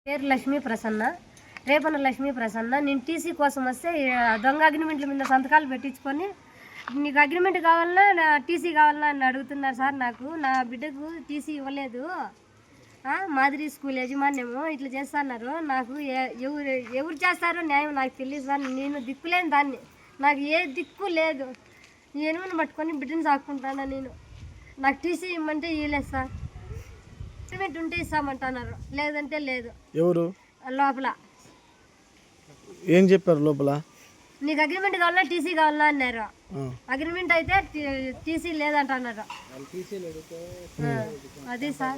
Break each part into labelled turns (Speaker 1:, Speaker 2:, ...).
Speaker 1: పేరు లక్ష్మీ ప్రసన్న, రేపన లక్ష్మీ ప్రసన్న. నేను టీసీ కోసం వస్తే దొంగ అగ్రిమెంట్ల మీద సంతకాలు పెట్టించుకొని నీకు అగ్రిమెంట్ కావాలన్నా నా టీసీ కావాలన్నా అని అడుగుతున్నారు సార్. నాకు నా బిడ్డకు టీసీ ఇవ్వలేదు, మాదిరి స్కూల్ యజమాన్యము ఇట్లా చేస్తున్నారు. నాకు ఎవరు చేస్తారో న్యాయం నాకు తెలియదు సార్. నేను దిక్కులేని దాన్ని, నాకు ఏ దిక్కు లేదు. ఎనుమని పట్టుకొని బిడ్డను సాక్కుంటాను నేను. నాకు టీసీ ఇవ్వమంటే ఇవ్వలేదు సార్. అగ్రిమెంట్ ఉంటే ఇస్తామంటున్నారు, లేదంటే లేదు.
Speaker 2: ఎవరు
Speaker 1: లోపల
Speaker 2: ఏం చెప్పారు? లోపల
Speaker 1: నీకు అగ్రిమెంట్ కావాలన్నా టీసీ కావాలన్నా అన్నారు. అగ్రిమెంట్ అయితే టీసీ లేదంటున్నారు. అది సార్.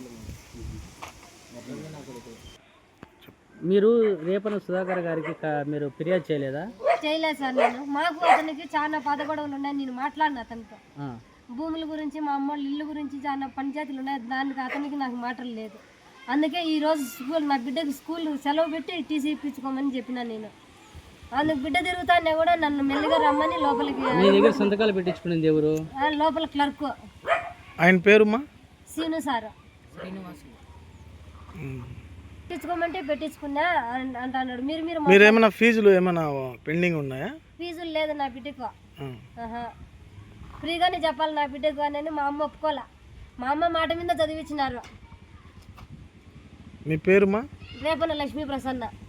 Speaker 3: మీరు రేపన సుధాకర్ గారికి మీరు ఫిర్యాదు చేయలేదా?
Speaker 1: చేయలేదు సార్. నేను మాకు అతనికి చాలా పదగొడవలు ఉన్నాయి. నేను మాట్లాడిన అతనితో భూముల గురించి, మా అమ్మ ఇల్లు గురించి చాలా పంచాయతీలు ఉన్నాయి. దానికి అతనికి నాకు మాటలు లేదు. అందుకే ఈరోజు స్కూల్ నా బిడ్డకి స్కూల్ సెలవు పెట్టి టీసీ ఇప్పించుకోమని చెప్పిన నేను. అందుకు బిడ్డ తిరుగుతానే కూడా నన్ను మెల్లిగా రమ్మని లోపలికి.
Speaker 3: మీ దగ్గర సంతకాలు పెట్టించుకునేది ఎవరు?
Speaker 1: లోపల క్లర్క్.
Speaker 2: ఆయన పేరుమా?
Speaker 1: Scene sir. పెట్టించుకోమంటే పెట్టించుకున్నా అంటున్నాడు. మీరు
Speaker 2: ఏమైనా ఫీజులు ఏమైనా పెండింగ్ ఉన్నాయా?
Speaker 1: ఫీజులు లేదు నా బిడ్డకు. ఫ్రీగానే చెప్పాలి నా బిడ్డకు అని మా అమ్మ ఒప్పుకోలే. మా అమ్మ మాట మీద చదివించినారు.
Speaker 2: మీ పేరుమా?
Speaker 1: రేపన లక్ష్మీ ప్రసన్న.